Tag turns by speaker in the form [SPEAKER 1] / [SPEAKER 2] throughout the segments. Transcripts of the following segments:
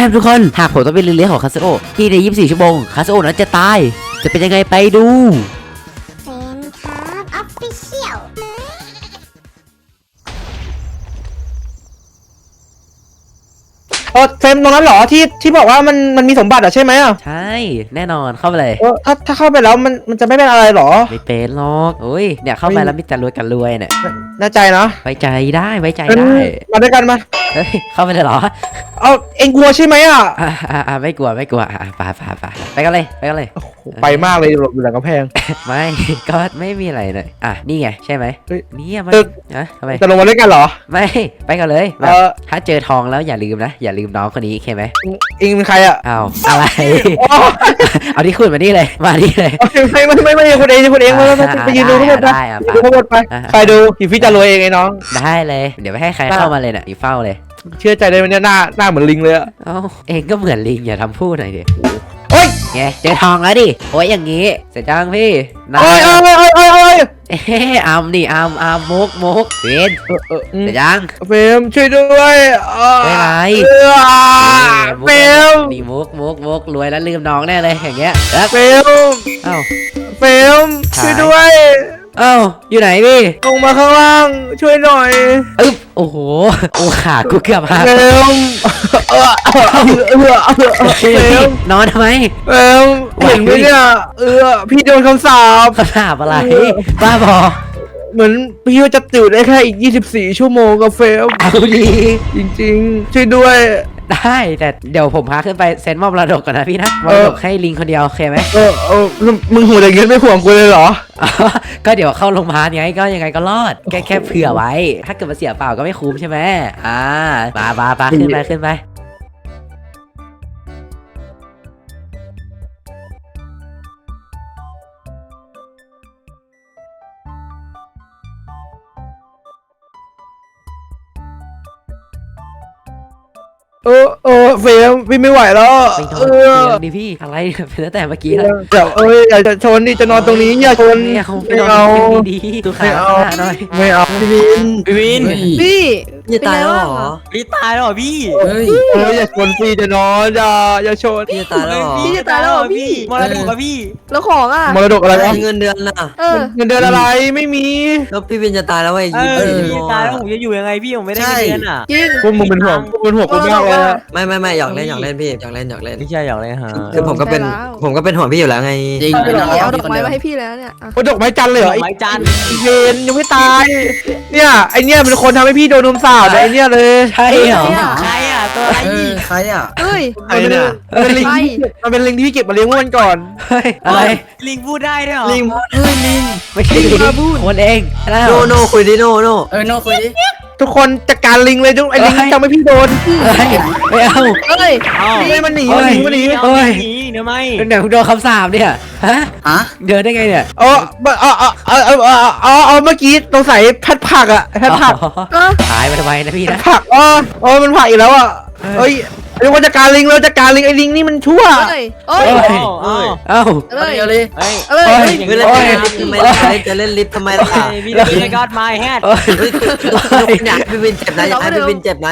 [SPEAKER 1] มทุกคนหากผมต้องเป็นเลี้ยงของคาสโอที่ใน24ชั่วโมงคาสโอนั้นจะตายจะเป็นยังไงไปดู
[SPEAKER 2] เฟนครับออฟฟิเชียล
[SPEAKER 3] เฟรมตรงนั้นเหรอที่บอกว่ามันมีสมบัติอ่ะใช่ไหมอ่ะ
[SPEAKER 1] ใช่แน่นอนเข้าไปเลย
[SPEAKER 3] ถ้าเข้าไปแล้วมันจะไม่เป็นอะไรหรอ
[SPEAKER 1] ไม่เป็นหรอกโอ้ยเนี่ยเข้าไปแล้วมีแต่รวยกันรวยเนี่ย
[SPEAKER 3] แน่ใจนะ
[SPEAKER 1] ไว้ใจได้ไว้ใจได้
[SPEAKER 3] มาด้วยกันมา
[SPEAKER 1] เฮ้ยเข้าไปเลยเหรอ
[SPEAKER 3] เอาเอ็งกลัวใช่ไหมอ่ะ
[SPEAKER 1] ไม่กลัวไปไปกันเลย
[SPEAKER 3] ไปมากเลยหลบอยู่หลังกำแพง
[SPEAKER 1] ไม่ก็ไม่มีอะไรเลยนี่ไงใช่ไหมนี่มันทำไม
[SPEAKER 3] จะลงมาด้วยกันเหรอ
[SPEAKER 1] ไม่ไปกันเลยถ้าเจอทองแล้วอย่าลืมนะอย่าลืมน้องคนนี้โอเคไหม
[SPEAKER 3] เอ็งเป็นใครอ่ะ
[SPEAKER 1] เอาอะไรเอาที่คุณมานี่เลยมานี่เลย
[SPEAKER 3] ไม่คุณเองไปยืนดูทั้งหมดนะดูทั้งหมดไปดูอยู่พี่จะรวยเองไอ้น้อง
[SPEAKER 1] ได้เลยเดี๋ยวไม่ให้ใครเข้ามาเลยน่ะอยู่เฝ้าเลย
[SPEAKER 3] เชื่อใจได้ไหมเนี่ยหน้าเหมือนลิงเลยอ่ะ
[SPEAKER 1] เองก็เหมือนลิงอย่าทำพูดหน่อยดิ
[SPEAKER 3] โอ้ย
[SPEAKER 1] ไงเจอทองแล้วดิโอ้ยอย่างงี้เสร็จจังพี่
[SPEAKER 3] โอ้ย
[SPEAKER 1] อัมดิอัมมุกเฟนเสร็จยัง
[SPEAKER 3] เฟมช่วยด้วย
[SPEAKER 1] ไม่ไร
[SPEAKER 3] เฟม
[SPEAKER 1] นี่มุกรวยแล้วลืมน้องแน่เลยอย่างเงี้ย
[SPEAKER 3] เฟมเฟมช่วยด้วย
[SPEAKER 1] อยู่ไหนพี่
[SPEAKER 3] ลงมาข้างล่างช่วยหน่อย
[SPEAKER 1] โอ้โหขากูเกือบหัก
[SPEAKER 3] เฟม
[SPEAKER 1] นอนทำไม
[SPEAKER 3] เห็นไหมเนี่ยพี่โดนคำสาป
[SPEAKER 1] อะไรบ้าบอ
[SPEAKER 3] เหมือนพี่ว่าจะตื่นได้แค่อีก24ชั่วโมงกับเฟม
[SPEAKER 1] เอาดี
[SPEAKER 3] จริงๆช่วยด้วย
[SPEAKER 1] ได้แต่เดี๋ยวผมพาขึ้นไปเซ็นมอบมรดกก่อนนะพี่นะมรดกให้ลิงคนเดียวโอเคไหม
[SPEAKER 3] มึงห่วงอย่างเงี้ยไม่ห่วงกูเลยเหรอ
[SPEAKER 1] ก็เดี๋ยวเข้าโรงพยาบาลไงก็ยังไงก็รอดแค่เผื่อไว้ถ้าเกิดมาเสียเปล่าก็ไม่คุ้มใช่ไหมมาขึ้นไป
[SPEAKER 3] เฟมพี่ไม่ไหวแล้ว
[SPEAKER 1] ดิพี่อะไรเป็นตั้งแต่เมื่อกี้แล้ว
[SPEAKER 3] เดี๋ยวอยากจะชนดิจะนอนตรงนี้อย่าชน
[SPEAKER 1] ไม่เอาดีตัวขาหน่อย
[SPEAKER 3] ไม่เอา
[SPEAKER 4] พี่วิน
[SPEAKER 5] พี่
[SPEAKER 4] จะตายแล้วเหรอพี่ตายแล้วเหรอพี่
[SPEAKER 3] อย่าชนพี่จะนอนอย่าชน
[SPEAKER 4] พี่จะตายแล้ว
[SPEAKER 5] พี่จะตายแล้วเหรอพี่
[SPEAKER 4] มรดกอะพี่
[SPEAKER 5] แล้วของอ่ะ
[SPEAKER 3] มรดกอะไร
[SPEAKER 4] เงินเดือนน่ะ
[SPEAKER 3] เงินเดือนอะไรไม่มี
[SPEAKER 4] แล้วพี่วินจะตายแล้วไอ้
[SPEAKER 5] พี่
[SPEAKER 4] ตายแล้วผมจะอยู่ยังไงพี่ผมไม่ได้เงินอ่ะ
[SPEAKER 5] จริง
[SPEAKER 3] พวกมึงเป็นห่วงกูมากเลย
[SPEAKER 4] ไม่อยากเล่นพี่อยากเล่น
[SPEAKER 1] ไม่ใช่อยากเล่นฮะ
[SPEAKER 4] คือผมก็เป็นห่วงพี่อยู่แล้วไง
[SPEAKER 5] จริงเอาดอกไม้มาให้พี่แล้วเนี่ย
[SPEAKER 3] ดอกไม้จันเลยเหรอ
[SPEAKER 4] ดอกไม้จัน
[SPEAKER 3] เวนยังไม่ตายเนี่ยไอเนี่ยเป็นคนทำให้พี่โดนนมสาวไอเนี่ยเลย
[SPEAKER 1] ใช่เหรอ
[SPEAKER 4] ใครอ่ะตัวอะไรใครอ่ะ
[SPEAKER 3] ไอเนี่ยเป็นลิงมันเป็นลิงที่พี่เก็บมาเลี้ยงเมื่อวันก่อน
[SPEAKER 1] อะไร
[SPEAKER 4] ลิงพูดได้ด้วยเหรอ
[SPEAKER 3] ลิง
[SPEAKER 1] ไม่ใช่ลิงคนเอง
[SPEAKER 4] โนคุยดิโน
[SPEAKER 5] โนคุยดิ
[SPEAKER 3] ทุกคนจัดการลิงเลยไอลิงทำให้พี่โดน
[SPEAKER 1] ไม่เอา
[SPEAKER 3] มันหนี
[SPEAKER 4] เดี๋ยวไม่
[SPEAKER 1] เดี๋ยวโดนคำสาปเนี่ยเดินได้ไงเนี่ย
[SPEAKER 3] เมื่อกี้ตรงใส่แพทผักอ่ะแพทผัก
[SPEAKER 1] หายไปทำไมนะพี่นะ
[SPEAKER 3] ผักมันผักอีกแล้วอ่ะเรียกว่าจัดการลิงไอลิงนี่มันชั่ว
[SPEAKER 4] จะเล่นลิฟต์ทำไมล่ะพี่จะกอดไม้แฮดอยากให้พี่วินเจ็บนะอยากให้พี่วินเจ็บ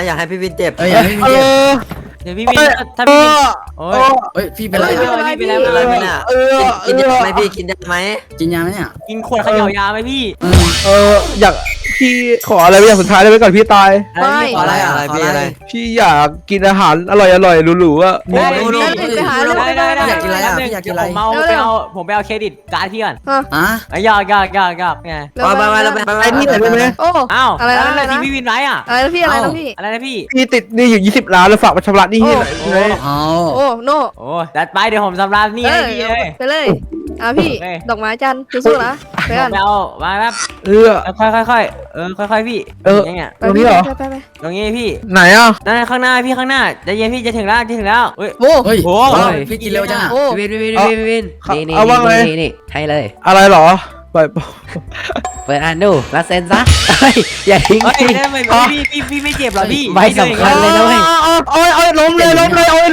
[SPEAKER 4] เดี๋ยวพี่วินถ้าพี่วิน
[SPEAKER 5] พี่เป็นไร
[SPEAKER 4] พี่เป็นอะไรเนี่ยกินยาไหมพี่กินยาไหมเนี่ยกินขวดขยายาไหมพี่
[SPEAKER 3] อยากพี่ขออะไรอย่างสุดท้ายได้ไหมก่อนพี่ตาย
[SPEAKER 4] อะไร
[SPEAKER 3] พี่อยากกินอาหารอร่อยหรูๆอ่ะ
[SPEAKER 4] ได้อยากกินอะไรอยากกินอะไรผมไปเอาเครดิตการ์ดพี่ก่อนอยากไง
[SPEAKER 3] ไปนี่ไหนได้ไหม
[SPEAKER 4] อะไรนะที่พี่วินไรอ่ะ
[SPEAKER 5] อะไรนะพี่
[SPEAKER 4] อะไรนะพี่
[SPEAKER 3] ติดนี่อยู่20 ล้านแล้วฝากมาชำระนี่ที่ไหน
[SPEAKER 5] โน่
[SPEAKER 4] จัดไปเดี๋ยวผมชำระนี่ให้พี่เลย
[SPEAKER 5] ไปเลยพี่ดอกไม้จันสู้ๆนะ
[SPEAKER 4] ไปกันเอามาครับค่อยพี่ยังไง
[SPEAKER 3] ตรงนี้เหรอ
[SPEAKER 4] ตรงนี้พี่
[SPEAKER 3] ไหนอ่ะ
[SPEAKER 4] นั่นข้างหน้าพี่ข้างหน้าจะเย็นพี่จะถึงแล้ว
[SPEAKER 5] โอ้
[SPEAKER 4] พี่กินเร็วจัง
[SPEAKER 1] วินนี่ให้เลย
[SPEAKER 3] อะไรหรอเ
[SPEAKER 1] ปิดอ่านดูแล้วเซ็นซะอย่าทิ้ง
[SPEAKER 4] พี่ไม่เจ็บหรอพี่
[SPEAKER 1] ไม่สำคัญเลยนะเว้ย
[SPEAKER 3] ล้มเลย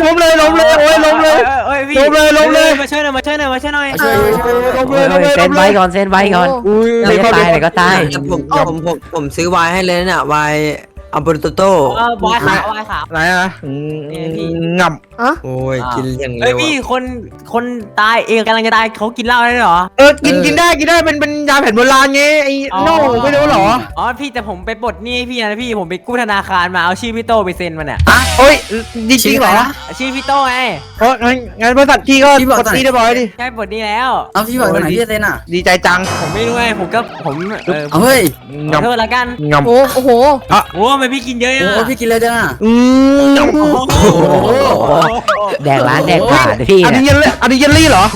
[SPEAKER 4] มาช่วยหน่อยเ
[SPEAKER 1] ซ็นไว้ก่อน
[SPEAKER 3] อุ้ย
[SPEAKER 1] ไม่ตายแต่ก็ตาย
[SPEAKER 4] ผมซื้อไวน์ให้เลยเนี่ยไว
[SPEAKER 6] อัมโบรโต
[SPEAKER 4] บอยขาวบอยขาว
[SPEAKER 3] ไหนอ่ะ
[SPEAKER 4] พี่
[SPEAKER 3] งับ
[SPEAKER 6] โอ้ยกินอย่าง
[SPEAKER 4] เอ้
[SPEAKER 6] เร็
[SPEAKER 4] ยว พี่คนตายเองกำลังจะตายเขากินเหล้าได้เหรอ
[SPEAKER 3] กินได้เป็นยาแผนโบราณไงไอ้โน่ไม่รู้หรอ
[SPEAKER 4] อ๋อพี่แต่ผมไปปลดหนี้พี่นะพี่ผมไปกู้ธนาคารมาเอาชื่อพี่โตไปเซ็นมันเนี่ย
[SPEAKER 3] โอ้ยจริงเหรอ
[SPEAKER 4] ชื่อพี่โตไง
[SPEAKER 3] เพราะงั้นบริษัทพี่ก็กดตีได้บ่อยดิ
[SPEAKER 4] ใกล้ปลดหนี้แล้ว
[SPEAKER 5] เอาพี่บอกตรงไหนพี่เซนอ่ะ
[SPEAKER 3] ดีใจจัง
[SPEAKER 4] ผมไม่รู้ไงผม
[SPEAKER 5] เอาเฮ้ย
[SPEAKER 4] ขอโทษละกัน
[SPEAKER 3] งับ
[SPEAKER 5] โอ้โห
[SPEAKER 4] โอ้ทำไมพี่กินเยอะ
[SPEAKER 5] โอ้พี่กินเลยจังอ่ะ
[SPEAKER 3] งับ
[SPEAKER 1] แดกร้านแดกผ่านพี่
[SPEAKER 3] อันนี้
[SPEAKER 1] เนี่ย
[SPEAKER 3] อันนี้เยลลี่เหรอ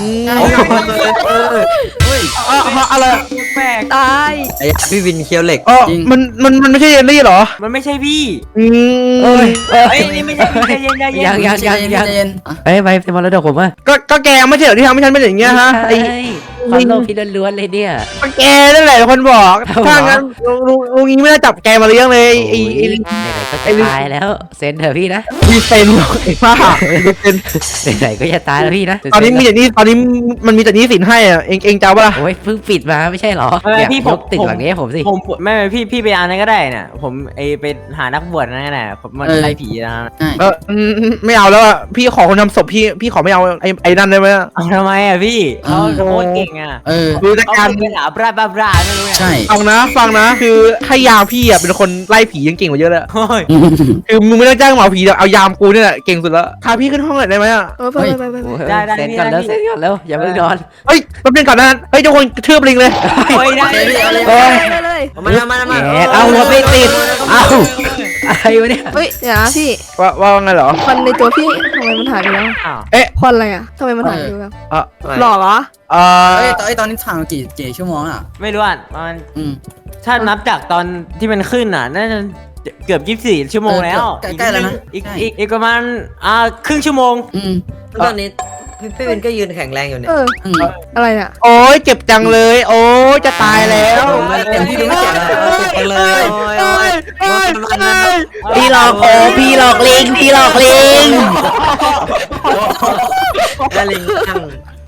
[SPEAKER 3] อะไร
[SPEAKER 4] แปลก
[SPEAKER 5] ตาย
[SPEAKER 6] ไอ้พี่วินเคียวเหล็ก
[SPEAKER 3] มันไม่ใช่เยลลี่เหรอ
[SPEAKER 4] มันไม่ใช่พี่
[SPEAKER 3] เอ้ย
[SPEAKER 4] เอ้ยนี่ไม่ใช่พี่ใจเย็นใจเย็น
[SPEAKER 1] ยังเอ้ยไปเป็นมรดกผมอ่ะ
[SPEAKER 3] ก็แกไม่ใช่เหรอที่ทำให้ฉันเป็นอย่างเงี้ยฮะไอ้
[SPEAKER 1] ความโลภพี่ล้วนๆเลยเนี่ย
[SPEAKER 3] แกนั่นแหละคนบอก
[SPEAKER 1] เอาเหรอ
[SPEAKER 3] ถ้างั้นลุงนี้ไม่ได้จับแกมาเลี้ยงเลยไอ้
[SPEAKER 1] ไหนๆก็จะตายแล้วเซ็นเถอะพี่นะ
[SPEAKER 3] มีเซนไอ้ป้าเซน
[SPEAKER 1] ไหนๆก็จะตายแล้วพี่นะ
[SPEAKER 3] ตอนนี้มีแต่นี้ตอนนี้มันมีแต่นี้สินให้อ่ะเองเจ้าปะล่ะ
[SPEAKER 1] โอ้ยเพิ่งปิดมาไม่ใช่เหรอ
[SPEAKER 4] พี่
[SPEAKER 1] ยกตึกหลังนี้ให้ผมสิ
[SPEAKER 4] ผมไม่พี่ไปอ่านนั้นก็ได้น่ะผมไปหานักบวชนั่นก็ได้ผมมันไล่ผีนะ
[SPEAKER 3] ไม่เอาแล้วอ่ะพี่ขอคนทำศพพี่ขอไม่เอาไอ้นั่นได้ไหม
[SPEAKER 4] เอาทำไมอ่ะพี่เขาโคตรเก่งอ่ะ
[SPEAKER 3] ดูจาก
[SPEAKER 4] เขา
[SPEAKER 3] การ
[SPEAKER 4] เป็นหาบราไม่รู้ไง
[SPEAKER 5] ใช่
[SPEAKER 3] ฟังนะคือให้ยามพี่อ่ะเป็นคนไล่ผียังเก่งกว่าเยอะเลย
[SPEAKER 4] โอ้ย
[SPEAKER 3] คือมึงไม่ต้องจ้างหมอผีเดี๋ยวเอายามกูเนี่ยแหละเก่งสุดแล้วพาพี่ขึ้นห้องหน่อยได้ไหมอ่ะ
[SPEAKER 5] ไป
[SPEAKER 1] โอ้ยเซ็นก่อนแล้วเซ็นก่อนแล้วอย่าเพิ่งนอน
[SPEAKER 3] เฮ้ยแป๊บนึงก่อนนะเฮ้ยทุกคนกระทืบลิงเลย
[SPEAKER 4] โอ้ยได้
[SPEAKER 5] เลย
[SPEAKER 6] มา
[SPEAKER 1] แหมเอาหัวไปติดเอาอะไรวะเนี่ย
[SPEAKER 5] เฮ้ยเดี๋ยวนะพี่
[SPEAKER 3] ว่าไงเหรอ
[SPEAKER 5] ควันในตัวพี่ทำไมมันหายไปแล้ว
[SPEAKER 4] อ้าว
[SPEAKER 5] ควันอะไรอ่ะทำไมมันหายไปแล้ว
[SPEAKER 3] อ่ะ
[SPEAKER 5] หล่อเหรอ
[SPEAKER 7] ตอนนี้ผ่านมากี่ชั่วโมงอ่ะ
[SPEAKER 4] ไม่รู้อ่ะมัน
[SPEAKER 7] อืม
[SPEAKER 4] ถ้านับจากตอนที่มันขึ้นอ่ะน่าจะเกือบ24 ชั่วโมงแล้ว
[SPEAKER 7] ใกล้แล้วนะ
[SPEAKER 4] อีกประมาณครึ่งชั่วโมง
[SPEAKER 7] อืม
[SPEAKER 6] ตอนนี้พี่วินก็ยืนแข็งแรงอยู่เนี่ย
[SPEAKER 7] อืม
[SPEAKER 5] อะไรอ่ะ
[SPEAKER 3] โอ้ยเจ็บจังเลย โอ้ยจะตายแล้ว
[SPEAKER 7] เต็มที่ดูไม่เจ็บเลย
[SPEAKER 6] ไปเลยโอ้ย
[SPEAKER 1] พี่หลอกโอ้พี่หลอกลิงพี่หลอกลิง
[SPEAKER 6] แล้วลิงนั่ง